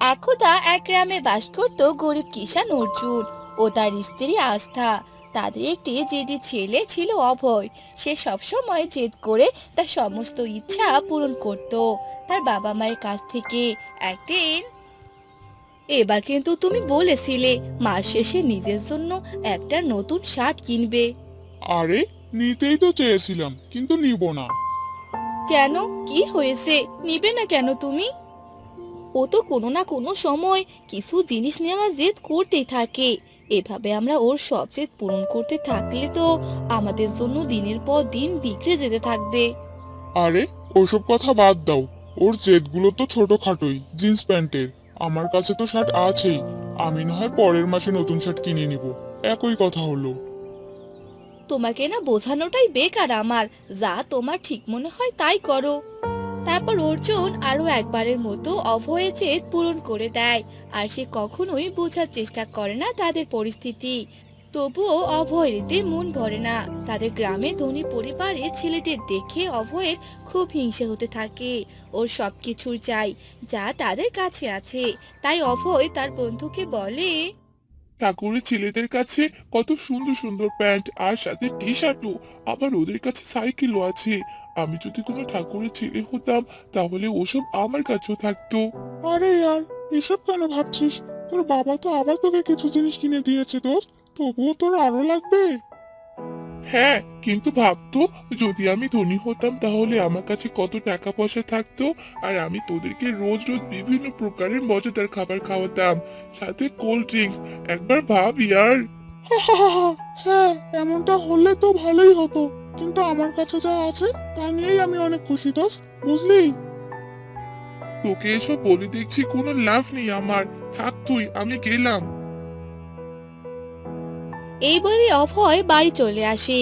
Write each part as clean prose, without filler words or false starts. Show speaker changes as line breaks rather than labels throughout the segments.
একদা এক গ্রামে বাস করত গরিব কিষান অর্জুন ও তার স্ত্রী আস্থা। তাদের একটি জেদি ছেলে ছিল অভয়। সে সবসময় জেদ করে তার সমস্ত ইচ্ছা পূরণ করত তার বাবা মায়ের কাছ থেকে। একদিন, এবার কিন্তু তুমি বলেছিলে মাস শেষে নিজের জন্য একটা নতুন শার্ট কিনবে।
আরে, নিতেই তো চেয়েছিলাম কিন্তু নিব না।
কেন? কি হয়েছে? নিবে না কেন তুমি? ও তো কোনো না কোনো সময় কিছু জিনিস নেওয়ার জেদ করতেই থাকে। এভাবে আমরা ওর সব জেদ পূরণ করতে থাকলে তো আমাদের জন্য দিনের পর দিন বিগড়ে যেতে থাকবে।
আরে, ওসব কথা বাদ দাও। ওর জেদগুলো তো ছোটখাটোই, জিন্স প্যান্টের। আমার কাছে তো শার্ট আছেই। আমি না হয় পরের মাসে নতুন শার্ট কিনে নিব। একই কথা হলো।
তোমাকে না বোঝানোটাই বেকার আমার। যা তোমার ঠিক মনে হয় তাই করো। তারপর অর্জুন আরো একবারের মতো অভয়ের জেদ পূরণ করে দেয়। আর সে কখনোই বোঝার চেষ্টা করে না তাদের পরিস্থিতি। তবুও অভয়ের এতে মন ভরে না। তাদের গ্রামে ধনী পরিবারের ছেলেদের দেখে অভয়ের খুব হিংসে হতে থাকে। ওর সবকিছুর চাই যা তাদের কাছে আছে। তাই অভয় তার বন্ধুকে বলে,
ঠাকুরের ছেলেদের কাছে কত সুন্দর সুন্দর প্যান্ট আর সাথে টি শার্টও, আবার ওদের কাছে সাইকেলও আছে। আমি যদি কোনো ঠাকুরের ছেলে হতাম তাহলে ওসব আমার কাছেও থাকতো। আরে ইয়ার, এসব কেন ভাবছিস? তোর বাবা তো আবার তোকে কিছু জিনিস কিনে দিয়েছে দোস্ত, তবুও তোর আরো লাগবে। হ্যাঁ, কিন্তু ভাবতো, যদি আমি ধনী হতাম তাহলে আমার কাছে কত টাকা পয়সা থাকতো। আর আমি তোদেরকে রোজ রোজ বিভিন্ন প্রকারের মজাদার খাবার খাওয়াতাম, সাথে কোল্ড ড্রিঙ্কস। একবার ভাব ইয়ার। হ্যাঁ, এমনটা হলে তো ভালোই হতো, কিন্তু আমার কাছে যা আছে তা নিয়েই আমি অনেক খুশি দোস্ত, বুঝলি? তোকে এসব বলে দেখছি কোনো লাভ নেই আমার। থাক তুই, আমি গেলাম।
এই বলে অভয় বাড়ি চলে আসে।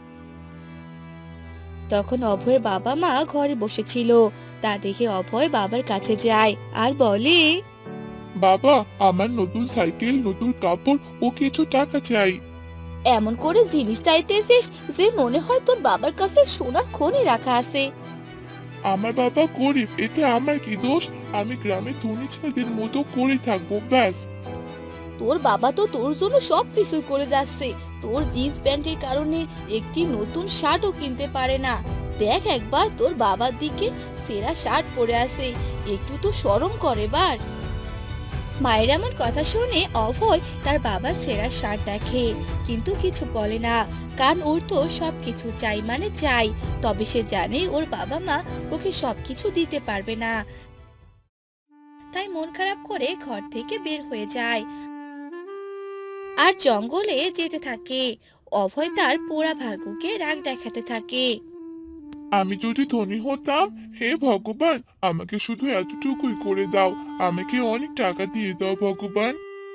তখন অভয়ের বাবা মা ঘরে বসেছিল। তা দেখে অভয় বাবার কাছে যায় আর বলে,
বাবা, আমার নতুন সাইকেল, নতুন কাপড় ও কিছু টাকা চাই।
এমন করে জিনিস চাইতেছিস যে মনে হয় তোর বাবার কাছে সোনার খনি রাখা আছে।
আমার বাবা গরিব, এতে আমার কি দোষ? আমি গ্রামের ধনী ছেলেদের মতো করে থাকবো, ব্যাস।
তোর বাবা তো তোর জন্য সবকিছুই করে যাচ্ছে। তোর জিন্স প্যান্টের কারণে একটি নতুন শার্টও কিনতে পারে না। দেখ একবার তোর বাবার দিকে, সেরা শার্ট পরে আছে। একটু তো শরম করে এবার। মায়ের এমন কথা শুনে অভয় তার বাবার ছেঁড়া শার্ট দেখে, কিন্তু কিছু বলে না। কারণ ওর তো সবকিছু চাই মানে চাই। তবে সে জানে ওর বাবা মা ওকে সবকিছু দিতে পারবে না। তাই মন খারাপ করে ঘর থেকে বের হয়ে যায় আর জঙ্গলে যেতে থাকে। অভয় তার পোড়া ভাগ্যকে রাগ দেখাতে থাকে।
আমি যদি ধনী হতাম, হে ভগবান, আমাকে শুধু এতটুকুই করে দাও। আমাকে অনেক টাকা দিয়ে দাও ভগবান।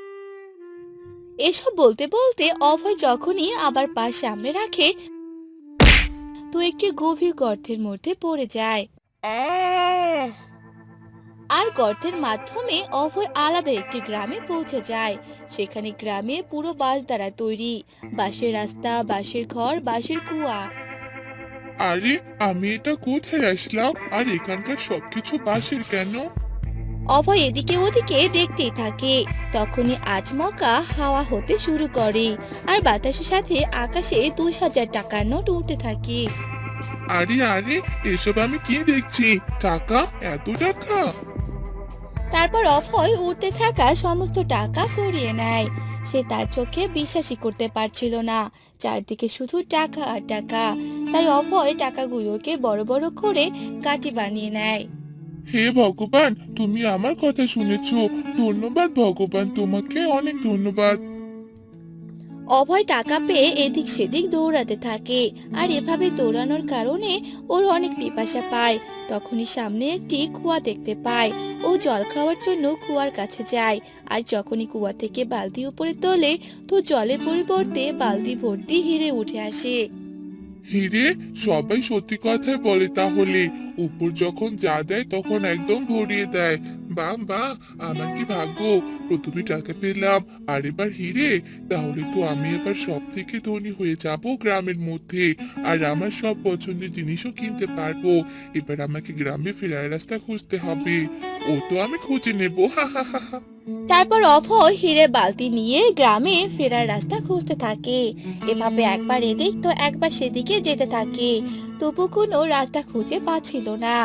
এসব বলতে বলতে অভয় যখনই আবার পা সামনে রাখে, তো একটি গভীর গর্তের মধ্যে পড়ে যায়।
আহ
আর গর্তের মাধ্যমে অভয় আলাদা একটি গ্রামে পৌঁছে যায়। সেখানে গ্রামে পুরো বাঁশ দ্বারা তৈরি, বাঁশের রাস্তা, বাঁশের ঘর, বাঁশের কুয়া।
আরে, আমি এটা কোথায় আসলাম? আর এখানকার সবকিছু বাঁশের কেন?
অভয় এদিকে ওদিকে দেখতেই থাকে। তখনই আচমকা হাওয়া হতে শুরু করে আর বাতাসের সাথে আকাশে 2000 টাকার নোট উঠতে থাকে।
আরে আরে, এসব আমি কি দেখছি? টাকা, এত টাকা!
তারপর অভয় উঠতে থাকা সমস্ত টাকা কুড়িয়ে নেয়। সে তার চোখে বিশ্বাসই করতে পারছিল না। চারদিকে শুধু টাকা আর টাকা। তাই অভয় টাকাগুলোকে বড় বড় করে কাঠি বানিয়ে নেয়।
হে ভগবান, তুমি আমার কথা শুনেছো। ধন্যবাদ ভগবান, তোমাকে অনেক ধন্যবাদ।
অভয় টাকা পেয়ে এদিক সেদিক দৌড়াতে থাকে। আর এভাবে দৌড়ানোর কারণে ওর অনেক পিপাসা পায়। তখনই সামনে একটি কুয়া দেখতে পায়। ও জল খাওয়ার জন্য কুয়ার কাছে যায়। আর যখনই কুয়া থেকে বালতি উপরে তোলে, তো জলের পরিবর্তে বালতি ভর্তি হিরে উঠে আসে।
হিরে? সবাই সত্যি কথাই বলে তাহলে। উপর যখন যা দেয় তখন একদম ভরিয়ে দেয়। বাহ বাহ, আমার কি ভাগ্য! প্রথমে টাকা পেলাম, আর এবার হিরে। তাহলে তো আমি এবার সব থেকে ধনী হয়ে যাব গ্রামের মধ্যে, আর আমার সব পছন্দের জিনিসও কিনতে পারবো। এবার আমাকে গ্রামে ফেরার রাস্তা খুঁজতে হবে। ও তো আমি খুঁজে নেবো, হা হা হা হা।
তারপর অভয় হিরে বালতি নিয়ে গ্রামে ফেরার রাস্তা খুঁজতে থাকে। এভাবে একবার এদিক তো একবার সেদিকে যেতে থাকে, তবু কোনো রাস্তা খুঁজে পাচ্ছিল না।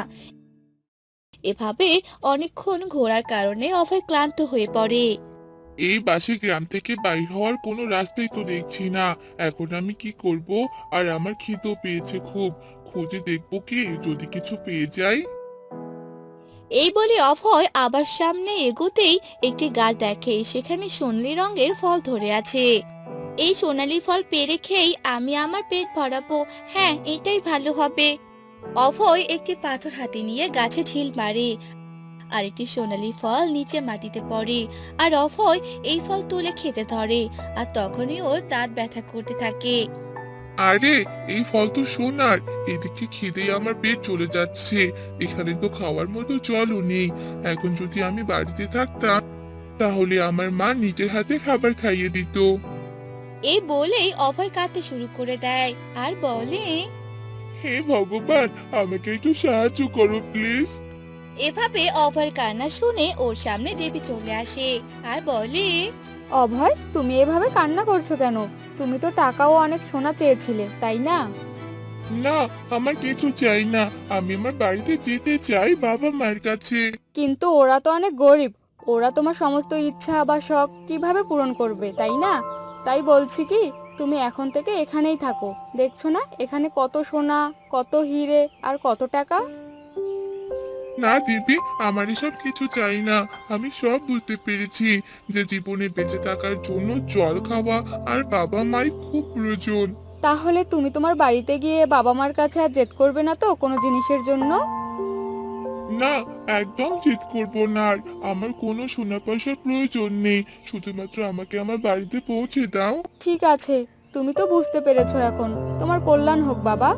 এভাবে অনেকক্ষণ ঘোরার কারণে অভয় ক্লান্ত হয়ে পড়ে।
এই বাসে গ্রাম থেকে বাইর হওয়ার কোনো রাস্তাই তো দেখছি না। এখন আমি কি করব? আর আমার খিদেও পেয়েছে খুব। খুঁজে দেখবো কি, যদি কিছু পেয়ে যাই।
এই বলে অভয় আবার সামনে এগোতেই একটি গাছ দেখে, সেখানে সোনালী রঙের ফল ধরে আছে। এই সোনালী ফল পেড়ে খেয়েই আমি আমার পেট ভরাবো। হ্যাঁ, এটাই ভালো হবে। অভয় একটি পাথর হাতে নিয়ে গাছে ঢিল মারে, আর একটি সোনালী ফল নিচে মাটিতে পড়ে। আর অভয় এই ফল তুলে খেতে ধরে, আর তখনই ওর দাঁত ব্যথা করতে থাকে।
আরে, এই ফল তো সোনার। এদিকে খিদে আমার পেট চলে যাচ্ছে। এখানে তো খাওয়ার মতো জলও নেই। এখন যদি আমি বাড়িতে থাকতাম, তাহলে আমার মা নিজের হাতে খাবার খাইয়ে দিত।
এই বলেই অভয় কাঁদতে শুরু করে দেয় আর বলে,
হে ভগবান, আমাকে একটু সাহায্য করো প্লিজ।
এভাবে অভয়ের কান্না শুনে ওর সামনে দেবী চলে আসে আর বলে,
অভয়, তুমি এভাবে কান্না করছো কেন? তুমি তো টাকাও অনেক সোনা চেয়েছিলে, তাই না?
না, আমার কিছু চাই না। আমি আমার বাড়িতে যেতে চাই, বাবা মায়ের কাছে।
কিন্তু ওরা তো অনেক গরিব। ওরা তোমার সমস্ত ইচ্ছা বা শখ কিভাবে পূরণ করবে, তাই না? তাই বলছি কি, তুমি এখন থেকে এখানেই থাকো। দেখছো না এখানে কত সোনা, কত হিরে আর কত টাকা।
না দিদি, আমার এসব কিছু চাই না। আমি সব বুঝতে পেরেছি যে জীবনে বেঁচে থাকার জন্য জল খাওয়া আর বাবা মায়ের খুব প্রয়োজন।
তাহলে তুমি তোমার বাড়িতে গিয়ে বাবা মার কাছে আর জেদ করবে না তো কোনো জিনিসের জন্য?
না, একদম জিদ করব না আর। আমার কোনো সোনা পয়সার প্রয়োজন নেই। শুধুমাত্র আমাকে আমার বাড়িতে পৌঁছে দাও।
ঠিক আছে, তুমি তো বুঝতে পেরেছো এখন। তোমার কল্যাণ হোক বাবা।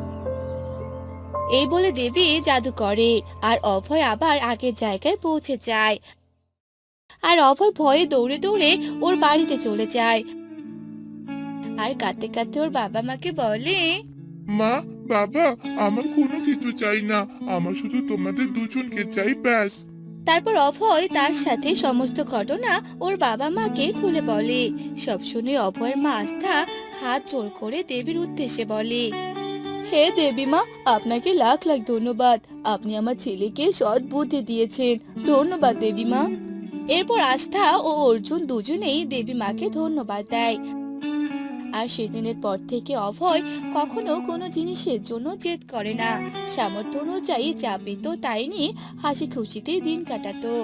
এই বলে দেবী জাদু করে, আর অভয় আবার আগের জায়গায় পৌঁছে যায়। আর অভয় ভয়ে দৌড়ে দৌড়ে ওর বাড়িতে চলে যায়, আর কাঁদতে কাঁদতে ওর বাবা মাকে বলে,
মা, বাবা, আমার কোনো কিছু চাই না। আমার শুধু তোমাদের দুজনকে চাই, ব্যাস।
তারপর অভয় তার সাথে সমস্ত ঘটনা ওর বাবা মাকে খুলে বলে। সব শুনে অভয়ের মা আস্থা হাত জোড় করে দেবীর উদ্দেশ্যে বলে, হে দেবী মা, আপনাকে লাখ লাখ ধন্যবাদ। আপনি আমার ছেলেকে সৎ বুদ্ধি দিয়েছেন। ধন্যবাদ দেবী মা। এরপর আস্থা ও অর্জুন দুজনেই দেবী মাকে ধন্যবাদ দেয়। আর সেদিনের পর থেকে অভয় কখনো কোনো জিনিসের জন্য জেদ করে না। সামর্থ্য অনুযায়ী যা পেত তাই নিয়ে হাসি খুশিতে দিন কাটাতো।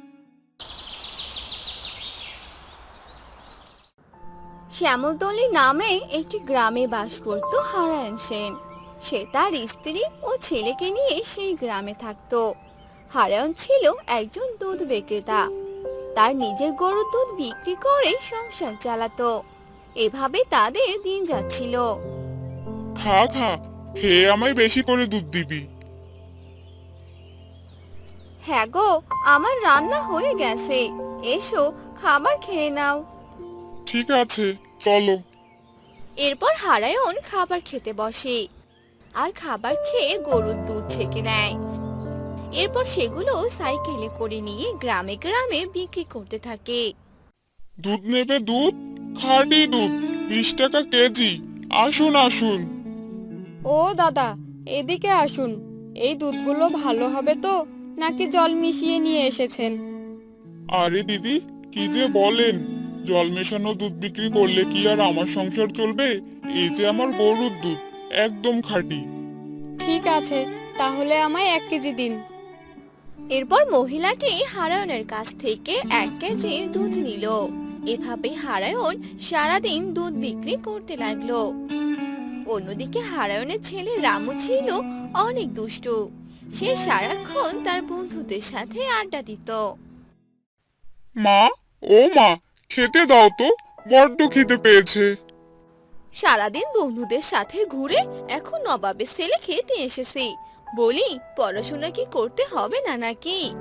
শ্যামলতলী নামে একটি গ্রামে বাস করত হারায়ণ সেন। সে তার স্ত্রী ও ছেলেকে নিয়ে সেই গ্রামে থাকতো। হারায়ণ ছিল একজন দুধ বিক্রেতা। তার নিজের গরুর দুধ বিক্রি করে সংসার চালাতো। এভাবে তাদের দিন যাচ্ছিল।
খা খা, খেয়ে আমায় বেশি করে দুধ দিবি।
হ্যাঁ গো, আমার রান্না হয়ে গেছে। এসো, খাবার খেয়ে নাও।
ঠিক আছে, চলো।
এরপর হারায়ণ খাবার খেতে বসে, আর খাবার খেয়ে গরুর দুধ ছেঁকে নেয়। এরপর সেগুলো সাইকেলে করে নিয়ে গ্রামে গ্রামে বিক্রি করতে থাকে।
দুধ নেবে দুধ? খাঁটি দুধ, 20 টাকা কেজি। আসুন আসুন।
ও দাদা, এদিকে আসুন। এই দুধগুলো ভালো হবে তো, নাকি জল মিশিয়ে নিয়ে এসেছেন?
আরে দিদি, কি যে বলেন! জল মেশানো দুধ বিক্রি করলে কি আর আমার সংসার চলবে? এই যে আমার গরুর দুধ, একদম খাঁটি।
ঠিক আছে, তাহলে আমায় 1 কেজি দিন।
এরপর মহিলাটি হারায়ণের কাছ থেকে 1 কেজি দুধ নিল। এভাবে হারায়ণ সারাদিন দুধ বিক্রি করতে লাগলো। অন্যদিকে হারায়ণের ছেলে রামু ছিল অনেক দুষ্টু। সে সারাক্ষণ তার বন্ধুদের সাথে আড্ডা দিত।
মা, ও মা, খেতে দাও তো, বড্ড খিদে পেয়েছে।
সারাদিন বন্ধুদের সাথে ঘুরে এখন নবাবের ছেলে খেতে এসেছি। বলি, পড়াশোনা কি করতে হবে না নাকি?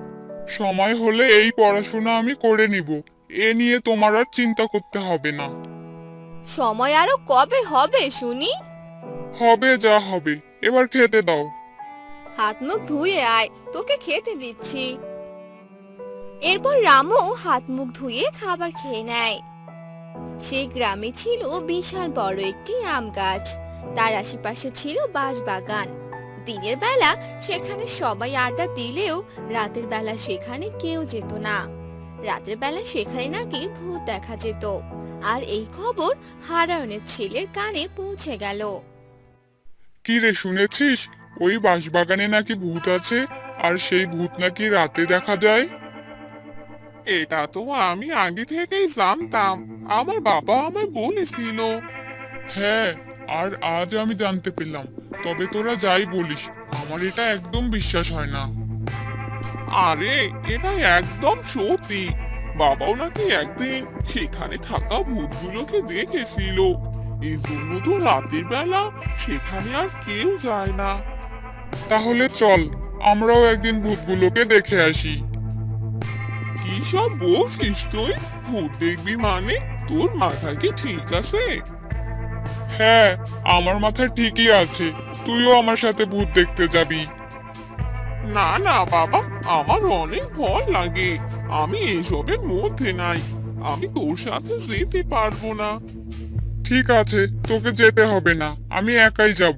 সময় হলে এই পড়াশোনা আমি করে নিব, এ নিয়ে তোমার আর চিন্তা করতে হবে না।
সময় আরো কবে হবে শুনি?
হবে যা হবে, এবার খেতে দাও।
হাত মুখ ধুয়ে আয়, তোকে খেতে দিচ্ছি। এরপর রামু হাত মুখ ধুয়ে খাবার খেয়ে নেয়। সেই গ্রামে ছিল বিশাল বড় একটি আম গাছ, তার আশেপাশে ছিল বাঁশবাগান। দিনের বেলা সেখানে সবাই আড্ডা দিলেও রাতের বেলা সেখানে কেউ যেত না। রাতের বেলা সেখানে নাকি ভূত দেখা যেত, আর এই খবর হারায়নের ছেলের কানে পৌঁছে গেল।
কি রে, শুনেছিস ওই বাঁশবাগানে নাকি ভূত আছে, আর সেই ভূত নাকি রাতে দেখা যায়? এটা তো আমি আগে থেকেই জানতাম, আমার বাবা আমায় বলেছিল। হ্যাঁ, আর আজ আমি জানতে পেলাম। তবে তোরা যাই বলিস, আমার এটা একদম বিশ্বাস হয় না। আরে এটা একদম সত্যি, বাবাও নাকি একদিন সেখানে থাকা ভূতগুলোকে দেখেছিল। এই জন্য তো রাতের বেলা সেখানে আর কেউ যায় না। তাহলে চল, আমরাও একদিন ভূতগুলোকে দেখে আসি। কি সব বলছিস তুই? ভূত দেখবি মানে? তোর মাথা কি ঠিক আছে? হ্যাঁ, আমার মাথা ঠিকই আছে। তুইও আমার সাথে ভূত দেখতে যাবি? না না বাবা, আমার অনেক ভয় লাগে। আমি এসবের মধ্যে নাই, আমি তোর সাথে যেতে পারবো না। ঠিক আছে, তোকে যেতে হবে না, আমি একাই যাব।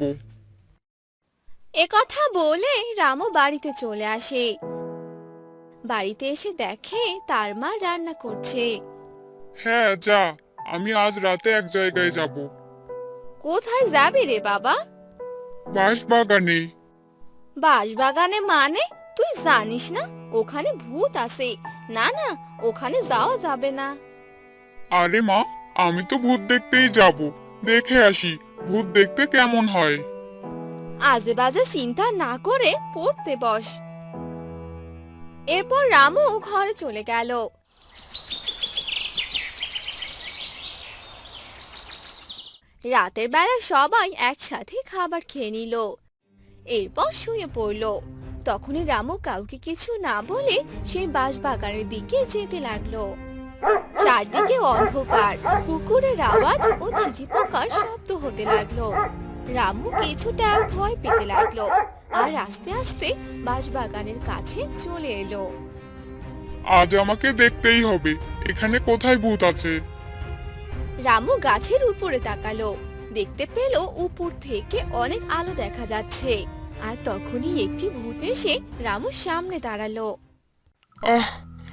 একথা বলে রামু বাড়িতে চলে আসে। বাড়িতে এসে দেখে তার মা রান্না করছে।
হ্যাঁ যা, আমি আজ রাতে এক জায়গায় যাব।
কোথায় যাবি রে বাবা?
বাঁশবাগানে।
বাঁশবাগানে মানে? তুই জানিস না ওখানে ভূত আছে? না না, ওখানে যাওয়া যাবে না।
আরে মা, আমি তো ভূত দেখতেই যাব, দেখে আসি ভূত দেখতে কেমন হয়।
আজে বাজে চিন্তা না করে পড়তে বস। এরপর রামু ঘরে চলে গেল। রাতের বেলা সবাই একসাথে খাবার খেয়ে নিল, এরপর শুয়ে পড়ল। তখনই রামু কাউকে কিছু না বলে সেই বাঁশবাগানের দিকে যেতে লাগলো। চারদিকে অন্ধকার, কুকুরের আওয়াজ ও ঝিঝি পোকার শব্দ হতে লাগলো। রামু কিছুটা ভয় পেতে লাগলো, আর আস্তে আস্তে বাঁশবাগানের কাছে চলে এলো।
আজ আমাকে দেখতেই হবে, এখানে কোথায় ভূত আছে।
রামু গাছের উপরে তাকালো, দেখতে পেল উপর থেকে অনেক আলো দেখা যাচ্ছে। আর তখনই একটি ভূত এসে রামুর সামনে দাঁড়ালো।
আহ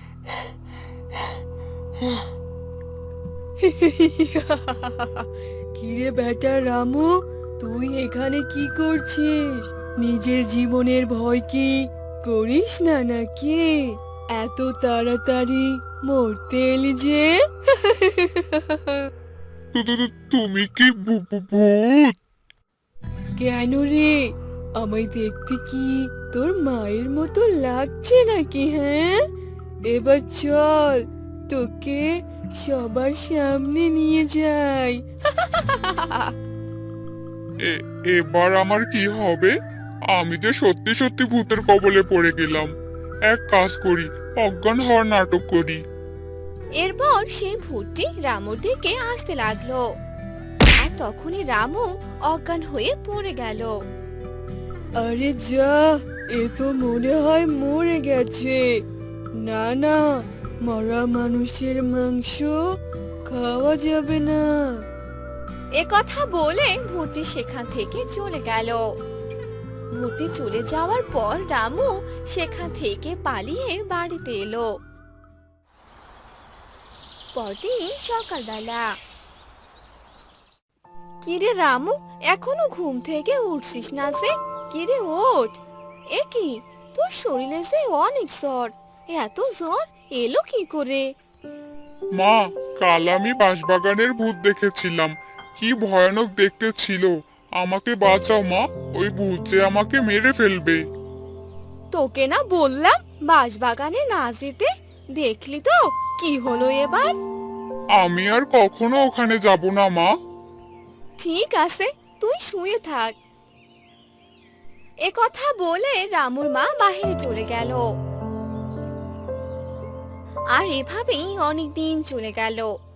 কিরে বেটা রামু, তুই এখানে কি করছিস? নিজের জীবনের ভয় কি করিস না নাকি? এত তাড়াতাড়ি মরতে এলি যে?
তুমি কি ভূত?
কেন রে, আমায় দেখতে কি তোর মায়ের মতো লাগছে নাকি? হ্যাঁ, এবার চল, তোকে সবার সামনে নিয়ে যাই।
এবার আমার কি হবে? আমি যে সত্যি সত্যি ভূতের কবলে পড়ে গেলাম। এক কাজ করি, অজ্ঞান হওয়ার নাটক করি।
এরপর সেই ভূতটি রামুর দিকে আসতে লাগলো, আর তখনই রামু অজ্ঞান হয়ে পড়ে গেল।
আরে যা, এ তো মনে হয় মরে গেছে। না না, মরা মানুষের মাংস খাওয়া যাবে না।
এ কথা বলে ভূতটি সেখান থেকে চলে গেল। ভূতটি চলে যাওয়ার পর রামু সেখান থেকে পালিয়ে বাড়িতে এলো। পরদিন সকালবেলা। কিরে রামু, এখনো ঘুম থেকে উঠছিস না যে? কিরে ওঠ। এ কি, তোর শরীরে যে অনেক জ্বর, এত জ্বর এলো কি করে?
মা, কাল আমি বাঁশবাগানের ভূত দেখেছিলাম, কি ভয়ানক দেখতে ছিল। আমাকে বাঁচাও মা, ওই ভূত যে আমাকে মেরে ফেলবে।
তোকে না বললাম বাঁশবাগানে না যেতে? দেখলি তো কি হলো এবার।
আমি আর কখনো ওখানে যাব না মা।
ঠিক আছে, তুই শুয়ে থাক। এ কথা বলে রামুর মা বাহিরে চলে গেল। আর এভাবেই অনেক দিন চলে গেল।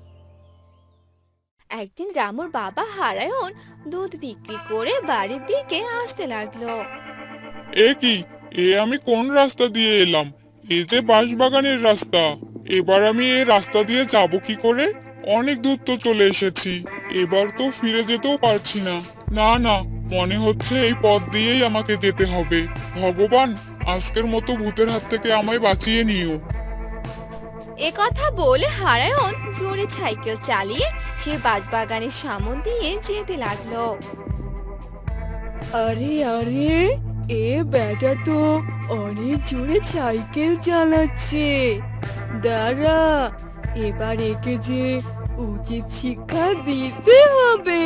একদিন রামুর বাবা হারায়ন দুধ বিক্রি করে বাড়ির দিকে আসতে লাগলো।
এ কি, আমি কোন রাস্তা দিয়ে এলাম? এই যে বাঁশবাগানের রাস্তা, এবার আমি এই রাস্তা দিয়ে যাব কি করে? অনেক দূর তো চলে এসেছি, এবার তো ফিরে যেতেও পারছি না। না না, মনে হচ্ছে এই পথ দিয়েই আমাকে যেতে হবে। ভগবান, আজকের মতো ভূতের হাত থেকে আমায় বাঁচিয়ে নিও।
এ কথা বলে হারায়ন জোরে সাইকেল চালিয়ে সে বাঁশবাগানের সামন দিয়ে যেতে লাগলো।
আরে আরে, এ বেটা তো অনেক জোরে সাইকেল চালাচ্ছে। দাঁড়া, এবার একে যে উচিত শিক্ষা দিতে হবে।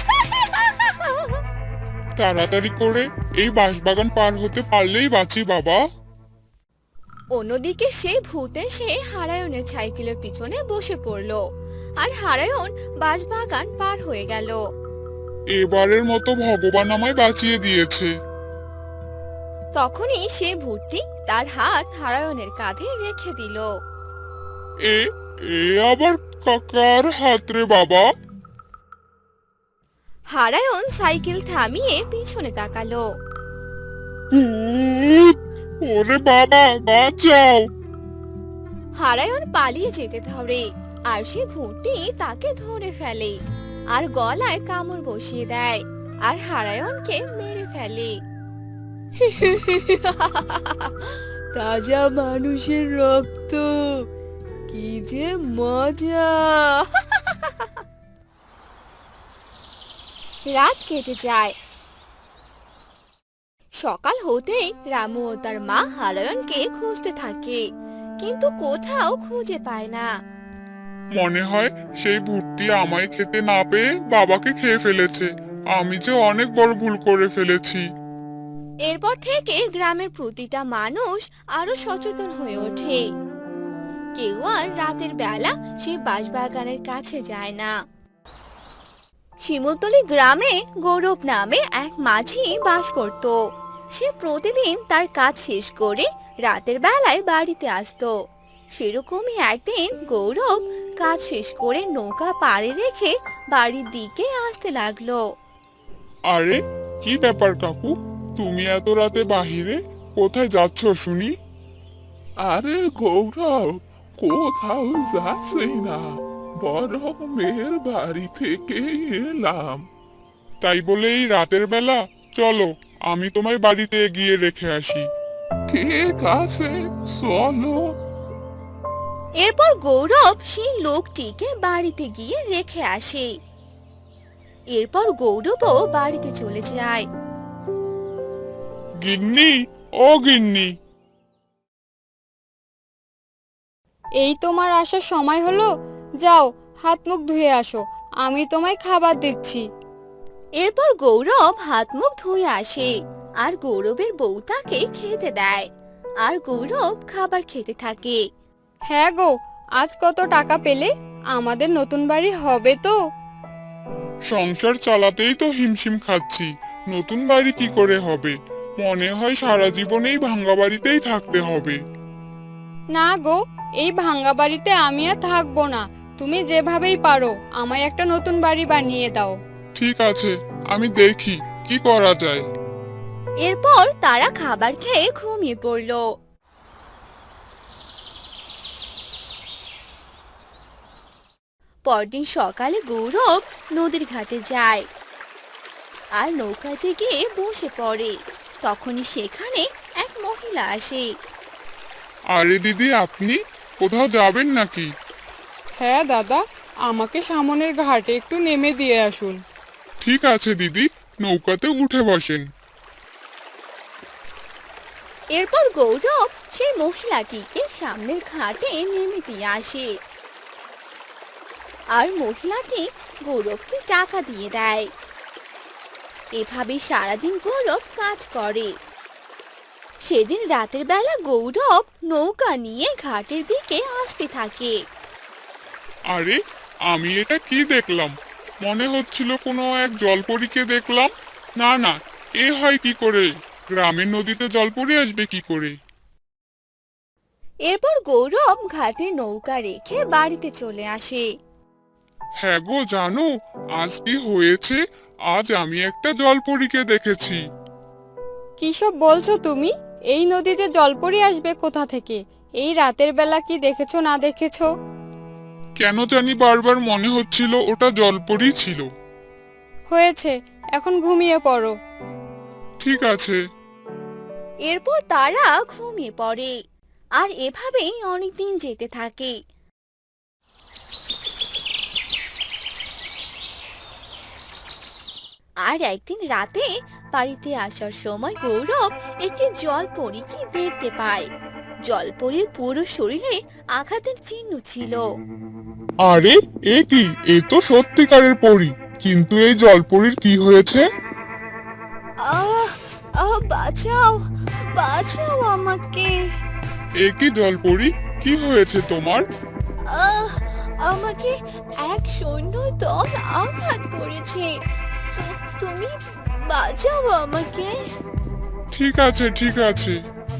তাড়াতাড়ি করে এই বাঁশবাগান পার হতে পারলেই বাঁচি বাবা।
অন্যদিকে সে ভূত এসে হারায়নের সাইকেলের পিছনে বসে পড়লো আর হারায়ন বাঁশবাগান পার হয়ে গেল।
এবারের মতো ভগবান আমায় বাঁচিয়ে দিয়েছে।
তখনই সে ভূতটি তার হাত হারায়নের কাঁধে রেখে দিল।
এ এ আবার কাকার হাত রে বাবা?
হারায়ন সাইকেল থামিয়ে পিছনে তাকালো।
ভূত! ওরে বাবা, বাঁচাও!
হারায়ন পালিয়ে যেতে ধরে আর সে ভূতটি তাকে ধরে ফেলে আর গলায় কামড় বসিয়ে দেয় আর হারায়নকে মেরে ফেলে।
তাজা মানুষের রক্ত, কি যে মজা!
রাত কেটে যায়। সকাল হতেই রামু ও তার মা হারায়নকে খুঁজতে থাকে, কিন্তু কোথাও খুঁজে পায় না।
মনে হয় সেই ভূতটি আমায় খেতে না পেয়ে বাবাকে খেয়ে ফেলেছে। আমি যে অনেক বড় ভুল করে ফেলেছি।
এরপর থেকে গ্রামের প্রতিটা মানুষ আরো সচেতন হয়ে ওঠে। কেউ আর রাতের বেলা সেই বাঁশবাগানের কাছে যায় না। শিমুলতলি গ্রামে গৌরব নামে এক মাঝি বাস করত। সে প্রতিদিন তার কাজ শেষ করে রাতের বেলায় বাড়িতে আসতো। সেরকমই একদিন গৌরব কাজ শেষ করে নৌকা পাড়ে রেখে বাড়ির দিকে আসতে লাগলো।
আরে, কি ব্যাপার কাকু? তুমি এত রাতে বাহিরে কোথায় যাচ্ছ শুনি? আরে গৌরব, কোথাও যাচ্ছি না, বরং মেয়ের বাড়ি থেকে এলাম। তাই বলে এই রাতের বেলা? চলো, আমি তোমায় বাড়িতে গিয়ে রেখে আসি। ঠিক আছে, চলো।
এরপর গৌরব সেই লোকটিকে বাড়িতে গিয়ে রেখে আসে। এরপর গৌরবও বাড়িতে চলে যায়।
গিন্নি, ও গিন্নি!
এই তোমার আসার সময় হলো, যাও হাত মুখ ধুয়ে আসো, আমি তোমায় খাবার দিচ্ছি।
এরপর গৌরব হাত মুখ ধুয়ে আসে আর গৌরবের বউ তাকে খেতে দেয় আর গৌরব খাবার খেতে থাকে।
হ্যাঁ গো, আজ কত টাকা পেলে? আমাদের নতুন বাড়ি হবে তো?
সংসার চালাতেই তো হিমশিম খাচ্ছি, নতুন বাড়ি কি করে হবে? মনে হয় সারা জীবনেই ভাঙ্গা বাড়িতেই থাকতে হবে।
না গো, এই ভাঙ্গা বাড়িতে আমি আর থাকবো না। তুমি যেভাবেই পারো আমায় একটা নতুন বাড়ি বানিয়ে দাও।
ঠিক আছে, আমি দেখি কি করা যায়।
এরপর তারা খাবার খেয়ে ঘুমিয়ে পড়ল। পরদিন সকালে গৌরব নদীর ঘাটে যায় আর নৌকাতে গিয়ে বসে পড়ে। তখনই সেখানে এক মহিলা আসে।
আরে দিদি, আপনি কোথাও যাবেন নাকি?
হ্যাঁ দাদা, আমাকে সামনের ঘাটে একটু নেমে দিয়ে আসুন।
ঠিক আছে দিদি, নৌকাতে উঠে বসেন।
এরপর গৌরব সেই মহিলাটিকে সামনের ঘাটে নেমে দিয়ে আসে আর মহিলাটি গৌরবকে টাকা দিয়ে দেয়। এভাবে সারাদিন গৌরব কাজ করে। সেদিন রাতের বেলা গৌরব নৌকা নিয়ে ঘাটের দিকে আসতে থাকে।
আরে, আমি এটা কি দেখলাম? মনে হচ্ছিল কোনো এক জলপরীকে দেখলাম। না না, এ হয় কি করে? গ্রামের নদীতে জলপরী আসবে কি করে?
এরপর গৌরব ঘাটে নৌকা রেখে বাড়িতে চলে আসে।
হ্যাঁ গো জানো, আজ কি হয়েছে? আজ আমি একটা জলপরীকে দেখেছি।
কিসব বলছো তুমি? এই নদীতে জলপরি আসবে কোথা থেকে? এই রাতের বেলা কি দেখেছো না দেখেছো?
কেন জানি বারবার মনে হচ্ছিল ওটা জলপরী ছিল।
হয়েছে, এখন ঘুমিয়ে পড়ো।
ঠিক আছে।
এরপর তারা ঘুমিয়ে পড়ে। আর এভাবেই অনেকদিন যেতে থাকে। আর একদিন রাতে বাড়িতে আসার সময় গৌরব একটি জলপরীকে দেখতে পায়। জলপরীর পুরো শরীরে আঘাতের চিহ্ন ছিল।
আরে এ কি, এ তো সত্যিকারের পরী, কিন্তু এই জলপরীর কি হয়েছে?
আহ আহ বাঁচাও, বাঁচাও আমাকে।
এ কি জলপরী, কি হয়েছে তোমার?
আহ আমাকে এক সৈন্য দল আঘাত করেছে। তুমি বাঁচাও আমাকে।
ঠিক আছে ঠিক আছে।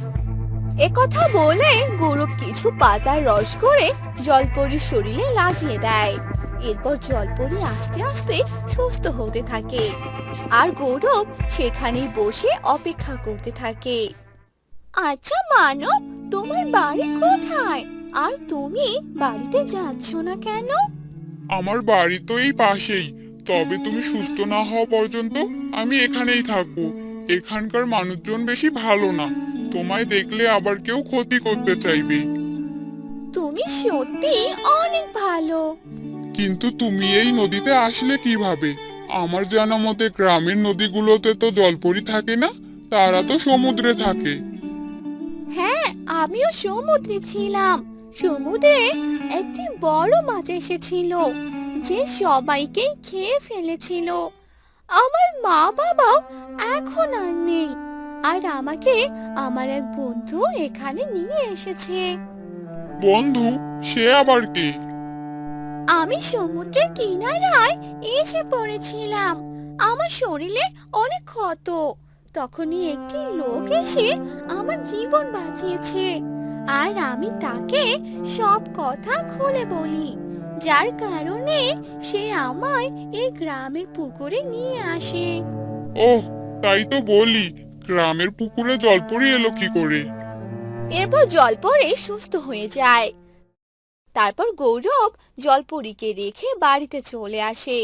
একথা বলে গৌরব কিছু পাতার রস করে জলপরীর শরীরে লাগিয়ে দেয়। এরপর জলপরী আস্তে আস্তে সুস্থ হতে থাকে। আর গৌরব সেখানেই বসে অপেক্ষা করতে থাকে। আচ্ছা মানব, তোমার বাড়ি কোথায়? আর তুমি বাড়িতে যাচ্ছ না কেন?
আমার বাড়ি তো এই পাশেই, তবে তুমি সুস্থ না হওয়া পর্যন্ত আমি এখানেই থাকবো। এখানকার মানুষজন বেশি ভালো না, তোমায় দেখলে আবার কেউ ক্ষতি করতে চাইবে।
তুমি সত্যি অনেক ভালো।
কিন্তু তুমি এই নদীতে আসলে কিভাবে? আমার জানা মতে গ্রামের নদীগুলোতে তো জলপরি থাকে না, তারা তো সমুদ্রে থাকে।
হ্যাঁ, আমিও সমুদ্রে ছিলাম। সমুদ্রে একটি বড় মাছ এসেছিল, যে সবাইকে খেয়ে ফেলেছিল। আমার মা বাবাও এখন আর নেই। আর আমাকে আমার এক বন্ধু এখানে নিয়ে এসেছে।
বন্ধু? সে আবার কে?
আমি সমুদ্রের কিনারায় এসে পড়েছিলাম। আমার শরীরে অনেক ক্ষত। তখনই একটি লোক এসে আমার জীবন বাঁচিয়েছে। আর আমি তাকে সব কথা খুলে বলি, যার কারণে সে আমায় এই গ্রামের পুকুরে নিয়ে আসে।
ওহ, তাই তো বলি, গ্রামের পুকুরে জলপরি এলো কি করে?
এরপর জলপরি সুস্থ হয়ে যায়। তারপর গৌরব জলপরীকে রেখে বাড়িতে চলে আসে।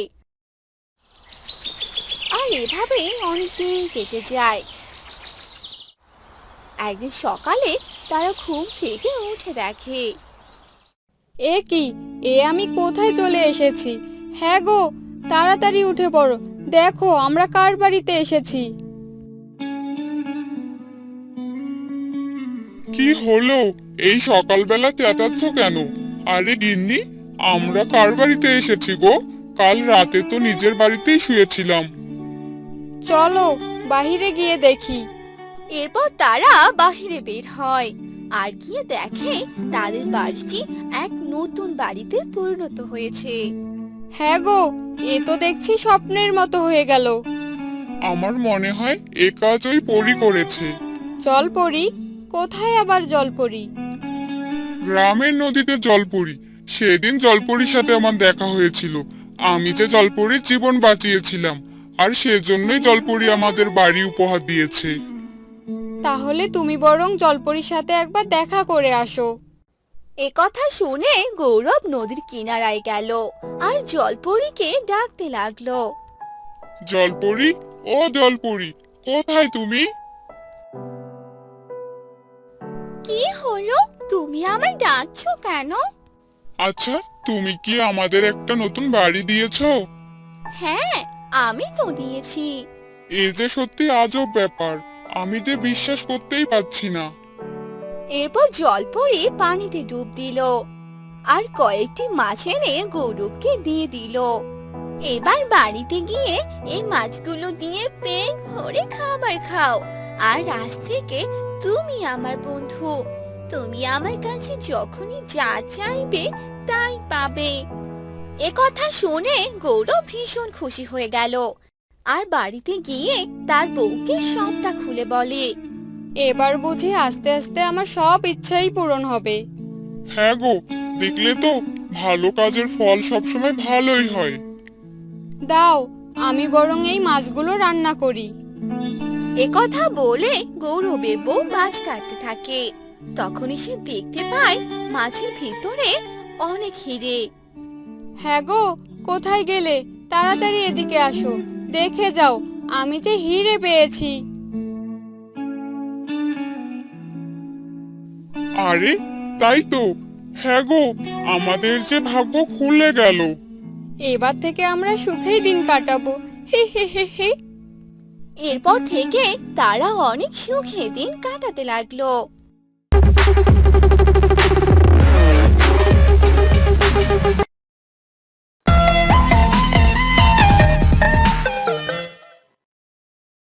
আর এভাবেই অনেকদিন কেটে যায়। একদিন সকালে তারা ঘুম থেকে উঠে দেখে।
এ কি, এ আমি কোথায় চলে এসেছি? হ্যাঁ গো, তাড়াতাড়ি উঠে পড়ো, দেখো আমরা কার বাড়িতে এসেছি।
কি হলো, এই সকালবেলা চেঁচাচ্ছ কেন? আরে গিন্নি, আমরা কার বাড়িতে এসেছি গো? কাল রাতে তো নিজের বাড়িতেই শুয়েছিলাম।
চলো বাহিরে গিয়ে দেখি।
এরপর তারা বাহিরে বের হয়। আর গিয়ে দেখে তাদের বাড়িটি এক নতুন বাড়িতে পরিণত হয়েছে।
হ্যাঁ গো, এ তো দেখছি স্বপ্নের মতো হয়ে গেল।
আমার মনে হয় এ কাজ ওই পরী করেছে।
জলপরি? কোথায় আবার জলপরি?
গ্রামের নদীতে জলপরি। সেদিন জলপরির সাথে আমার দেখা হয়েছিল। আমি যে জলপরির জীবন বাঁচিয়েছিলাম, আর সেজন্যই জলপরি আমাদের বাড়ি উপহার দিয়েছে।
তাহলে তুমি বরং জলপরির সাথে একবার দেখা করে আসো।
একথা শুনে গৌরব নদীর কিনারায় গেল আর জলপরীকে ডাকতে লাগলো।
জলপরি, ও জলপরি, কোথায় তুমি?
কি হলো, তুমি আমায় ডাকছো কেন?
আচ্ছা, তুমি কি আমাদের একটা নতুন বাড়ি দিয়েছো?
হ্যাঁ, আমি তো দিয়েছি।
এ যে সত্যি আজব ব্যাপার, আমি যে বিশ্বাস করতেই পারছি না।
এরপর জলপরি পানিতে ডুব দিল আর কয়েকটি মাছ এনে গৌরবকে দিয়ে দিল। এবার বাড়িতে গিয়ে এই মাছগুলো দিয়ে পেট ভরে খাবার খাও। আর আজ থেকে তুমি আমার বন্ধু। তুমি আমার কাছে যখনই যা চাইবে তাই পাবে। একথা শুনে গৌরব ভীষণ খুশি হয়ে গেল আর বাড়িতে গিয়ে তার বউকে সবটা খুলে বলে।
এবার বুঝি আস্তে আস্তে আমার সব ইচ্ছাই পূরণ হবে।
হ্যাঁ গো, দেখলে তো ভালো কাজের ফল সবসময় ভালোই হয়।
দাও, আমি বরং এই মাছগুলো রান্না করি।
একথা বলে গৌরবের বউ মাছ কাটতে থাকে। তখনই সে দেখতে পায় মাছের ভিতরে অনেক হিরে।
হ্যাঁ গো, কোথায় গেলে? তাড়াতাড়ি এদিকে আসো, দেখে যাও আমি যে হিরে পেয়েছি।
আরে তাই তো, হ্যাঁ গো, আমাদের যে ভাগ্য খুলে গেল।
এবার থেকে আমরা সুখেই দিন কাটাবো, হি হি হি হি।
এরপর থেকে তারা অনেক সুখে দিন কাটাতে লাগলো।